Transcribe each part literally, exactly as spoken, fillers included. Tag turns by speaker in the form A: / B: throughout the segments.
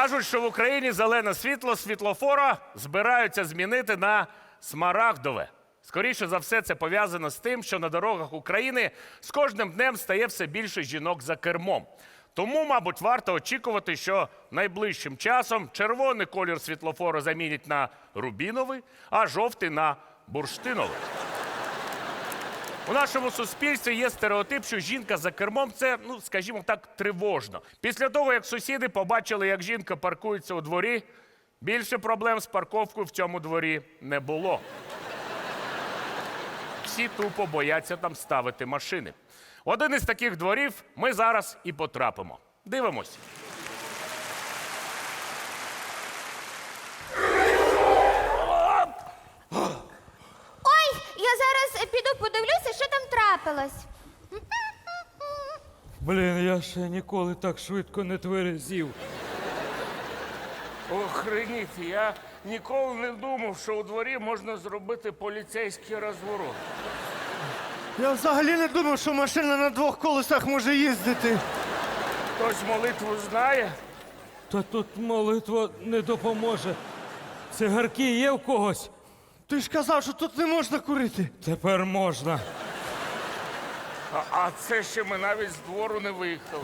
A: Кажуть, що в Україні зелене світло світлофора збираються змінити на смарагдове. Скоріше за все, це пов'язано з тим, що на дорогах України з кожним днем стає все більше жінок за кермом. Тому, мабуть, варто очікувати, що найближчим часом червоний колір світлофору замінять на рубіновий, а жовтий – на бурштиновий. У нашому суспільстві є стереотип, що жінка за кермом – це, ну, скажімо так, тривожно. Після того, як сусіди побачили, як жінка паркується у дворі, більше проблем з парковкою в цьому дворі не було. Всі тупо бояться там ставити машини. В один із таких дворів ми зараз і потрапимо. Дивимось.
B: Ой, я зараз піду подивлюся, що там трапилось.
C: Блін, я ще ніколи так швидко не тверезів.
A: Охреніть, я ніколи не думав, що у дворі можна зробити поліцейський розворот.
D: Я взагалі не думав, що машина на двох колесах може їздити.
A: Хтось молитву знає?
C: Та тут молитва не допоможе. Цигарки є в когось?
D: Ти ж казав, що тут не можна курити.
C: Тепер можна.
A: А, а це ще ми навіть з двору не виїхали.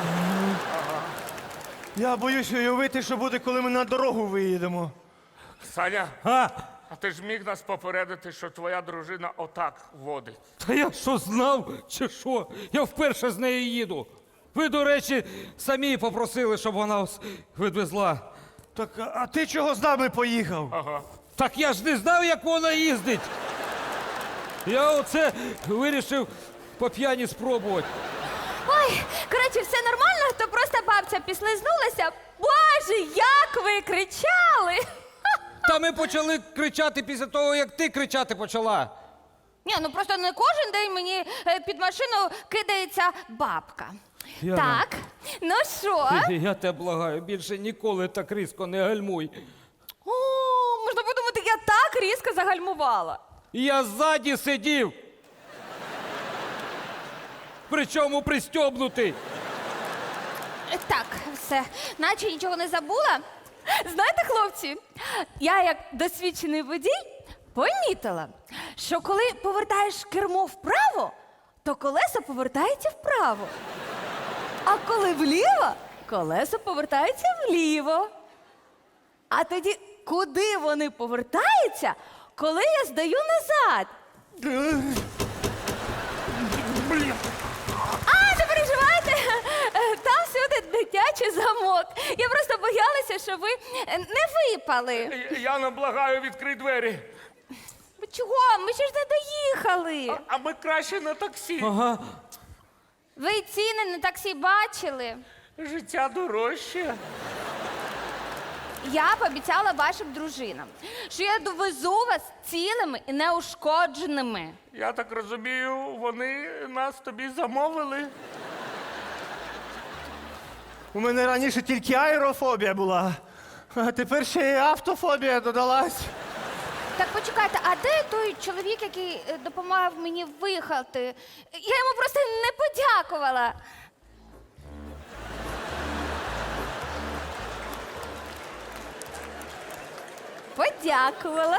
D: Я боюсь уявити, що буде, коли ми на дорогу виїдемо.
A: Саня,
C: А?
A: а ти ж міг нас попередити, що твоя дружина отак водить?
C: Та я що знав, чи що? Я вперше з нею їду. Ви, до речі, самі попросили, щоб вона вас відвезла.
D: Так, а а ти чого з нами поїхав?
A: Ага.
C: Так я ж не знав, як вона їздить. Я оце вирішив по п'яні спробувати.
B: Ой, коротше, все нормально, то просто бабця післизнулася. Боже, як ви кричали!
C: Та ми почали кричати після того, як ти кричати почала.
B: Ні, ну просто не кожен день мені е, під машину кидається бабка.
C: Яна.
B: Так, ну що?
C: Я тебе благаю, більше ніколи так різко не гальмуй.
B: О, можна подумати, я так різко загальмувала.
C: Я ззаді сидів. Причому пристьобнутий.
B: Е, Так, все, наче нічого не забула. Знаєте, хлопці, я як досвідчений водій помітила, що коли повертаєш кермо вправо, то колесо повертається вправо. А коли вліво, колесо повертається вліво. А тоді куди вони повертаються, коли я здаю назад?
D: Блін.
B: А, не переживайте, е, там всюди дитячий замок. Я просто боялася, що ви е, не випали.
A: Яна, благаю, відкрий двері.
B: Ви чого? Ми ще ж не доїхали.
A: А ми краще на таксі.
C: Ага.
B: Ви ціни на таксі бачили?
A: Життя дорожче.
B: Я пообіцяла вашим дружинам, що я довезу вас цілими і неушкодженими.
A: Я так розумію, вони нас тобі замовили.
D: У мене раніше тільки аерофобія була, а тепер ще й автофобія додалась.
B: Так почекайте, а де той чоловік, який е, допомагав мені виїхати? Я йому просто не подякувала. Подякувала.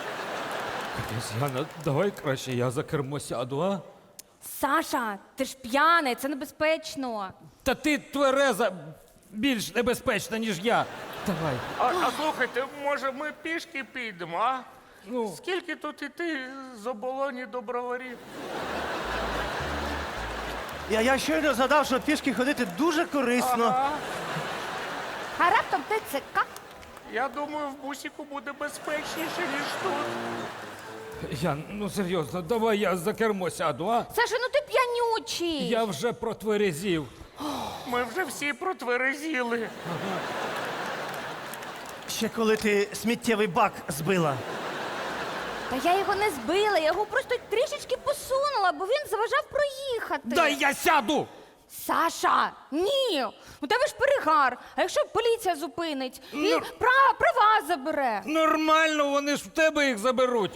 C: Яна, давай краще я за кермо сяду, а?
B: Саша, ти ж п'яний, це небезпечно.
C: Та ти твереза більш небезпечна, ніж я. Давай.
A: А, а слухайте, може ми пішки підемо, а?
C: Ну.
A: Скільки тут іти з оболоні до броварів?
D: Я, я щойно згадав, що пішки ходити дуже корисно.
A: Ага.
B: А раптом ТЦК?
A: Я думаю, в бусіку буде безпечніше, ніж тут.
C: Ян, ну серйозно, давай я за кермо сяду, а?
B: Саша, ну ти п'янючий.
C: Я вже протверезів.
A: Ми вже всі протверезіли.
D: Ще коли ти сміттєвий бак збила.
B: Та я його не збила, я його просто трішечки посунула, бо він заважав проїхати.
C: Дай я сяду!
B: Саша, ні! У тебе ж перегар. А якщо поліція зупинить і
C: Ну.
B: права, права забере?
C: Нормально, вони ж в тебе їх заберуть.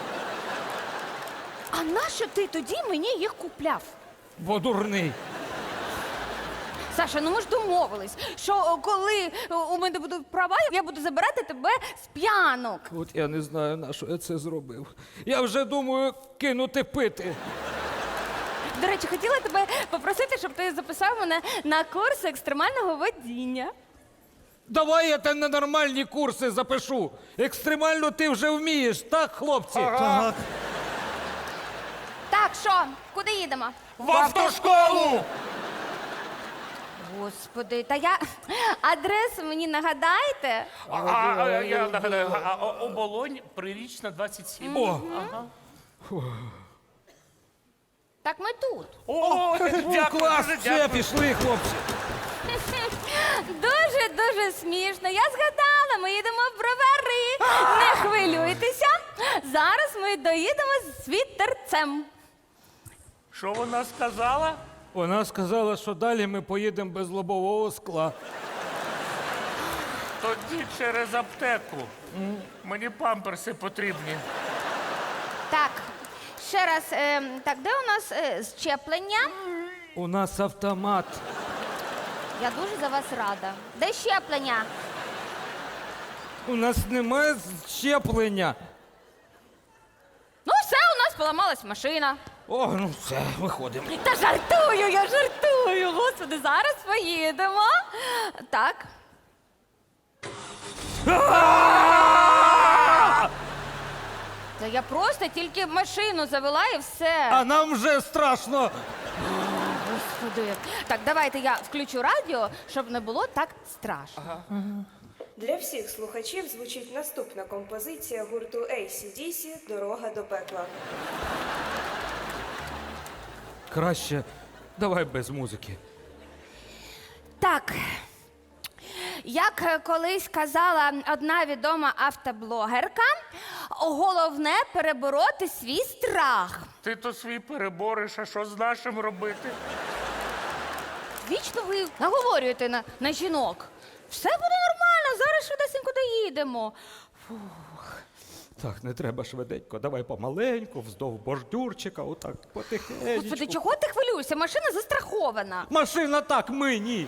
B: А нащо ти тоді мені їх купляв?
C: Бо дурний.
B: Саша, ну ми ж домовились, що о, коли о, у мене будуть права, я буду забирати тебе з п'янок.
C: От я не знаю, на що я це зробив. Я вже думаю кинути пити.
B: До речі, хотіла тебе попросити, щоб ти записав мене на курс екстремального водіння.
C: Давай я тебе на нормальні курси запишу. Екстремально ти вже вмієш, так, хлопці?
D: Так.
B: Так, що, куди їдемо?
A: В автошколу!
B: Господи, та я адресу мені нагадайте.
A: А, а, я нагадаю, а, а, оболонь, прирічна двадцять сім.
C: О,
B: Так ми тут.
A: О, дякую,
C: клас,
A: дуже
C: все,
A: дякую.
C: пішли, хлопці.
B: Дуже-дуже смішно. Я згадала, ми їдемо в бровари. Не хвилюйтеся. Зараз ми доїдемо з вітерцем.
A: Що вона сказала?
C: Вона сказала, що далі ми поїдемо без лобового скла.
A: Тоді через аптеку. Мені памперси потрібні.
B: Так, ще раз, е, так, де у нас е, щеплення?
C: У нас автомат.
B: Я дуже за вас рада. Де щеплення?
C: У нас немає щеплення.
B: Ну, все, у нас поламалась машина.
C: О, ну все, виходимо.
B: Та жартую, я жартую. Господи, зараз поїдемо. Так. Та я просто тільки машину завела і все.
C: А нам вже страшно.
B: Господи. Так, давайте я включу радіо, щоб не було так страшно.
E: Для всіх слухачів звучить наступна композиція гурту ей сі ді сі «Дорога до пекла».
C: Краще давай без музики.
B: Так. Як е, колись казала одна відома автоблогерка, головне перебороти свій страх.
A: Ти то свій перебориш, а що з нашим робити?
B: Вічно ви наговорюєте на, на жінок. Все буде нормально, зараз швидесенько доїдемо.
C: Так, не треба швиденько, давай помаленьку, вздовж бордюрчика, отак потихеньку.
B: Господи, чого ти хвилюєшся? Машина застрахована.
C: Машина так, ми ні.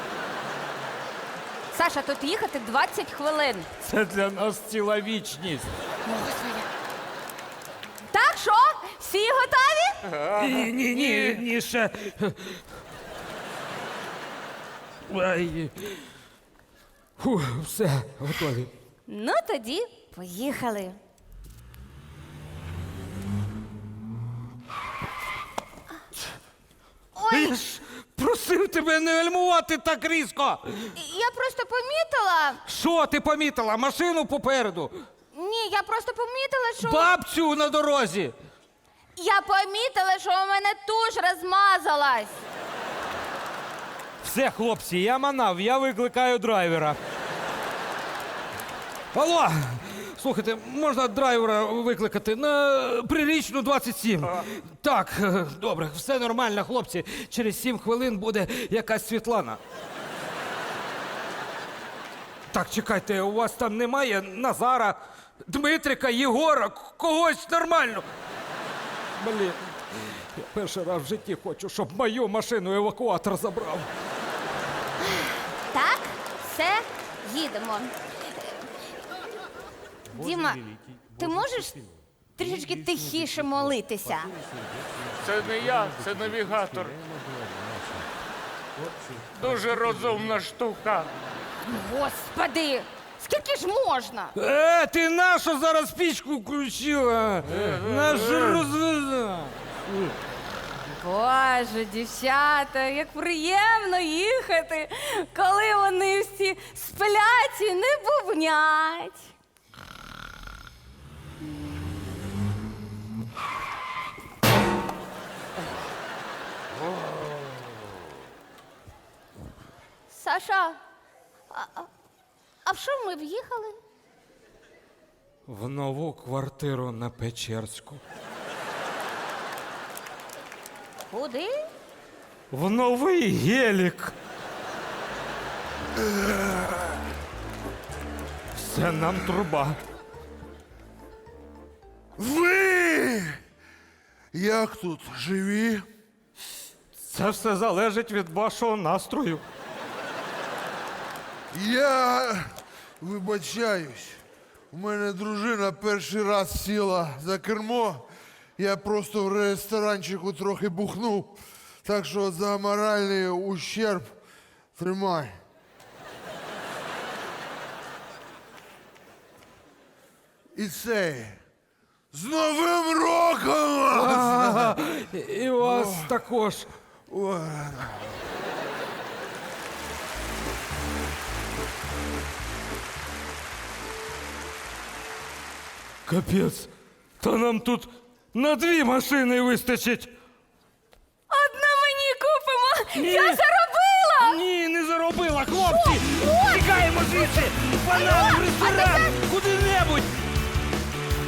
B: Саша, тут їхати двадцять хвилин.
C: Це для нас ціла вічність.
B: Так, що? Всі готові?
C: Ні, ні, ні, ні, ще. Ай. Фу, все, готові.
B: Ну, тоді поїхали. Ой,
C: Я ж просив тебе не гальмувати так різко.
B: я просто помітила.
C: Що ти помітила? Машину попереду.
B: Ні, я просто помітила, що.
C: Бабцю на дорозі.
B: Я помітила, що у мене туш розмазалась.
C: Все, хлопці, я манав, я викликаю драйвера. Алло, слухайте, можна драйвера викликати на прирічну двадцять сім? Так, е, добре, все нормально, хлопці. Через сім хвилин буде якась Світлана. Так, чекайте, у вас там немає Назара, Дмитрика, Єгора, к- когось нормально. Блін, я перший раз в житті хочу, щоб мою машину евакуатор забрав.
B: Так, все, їдемо. Діма, ти можеш трішечки тихіше молитися?
A: Це не я, це навігатор. Дуже розумна штука.
B: Господи, скільки ж можна?
C: Е, ти нашу зараз пічку включила? Нашу розвезла.
B: Боже, дівчата, як приємно їхати, коли вони всі сплять і не бубнять. Саша, а, а, а в що ми в'їхали?
C: В нову квартиру на Печерську.
B: Куди?
C: В новий гелік. Це нам труба.
F: Ви! Як тут живі?
C: Це все залежить від вашого настрою.
F: Я вибачаюсь. У мене дружина перший раз сіла за кермо. Я просто в ресторанчику трохи бухнув. Так що за моральний ущерб тримай. І цей. З Новим роком! вас!
C: Ага, і вас також.
F: Ой.
C: Капець. Та нам тут на дві машини вистачить.
B: Одна мені купимо!
C: Ні.
B: Я заробила!
C: Ні, не заробила, хлопці! Тікаємо звідси! Банан, в ресторан! Куди-небудь!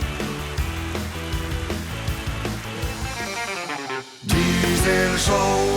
G: Diesel Show.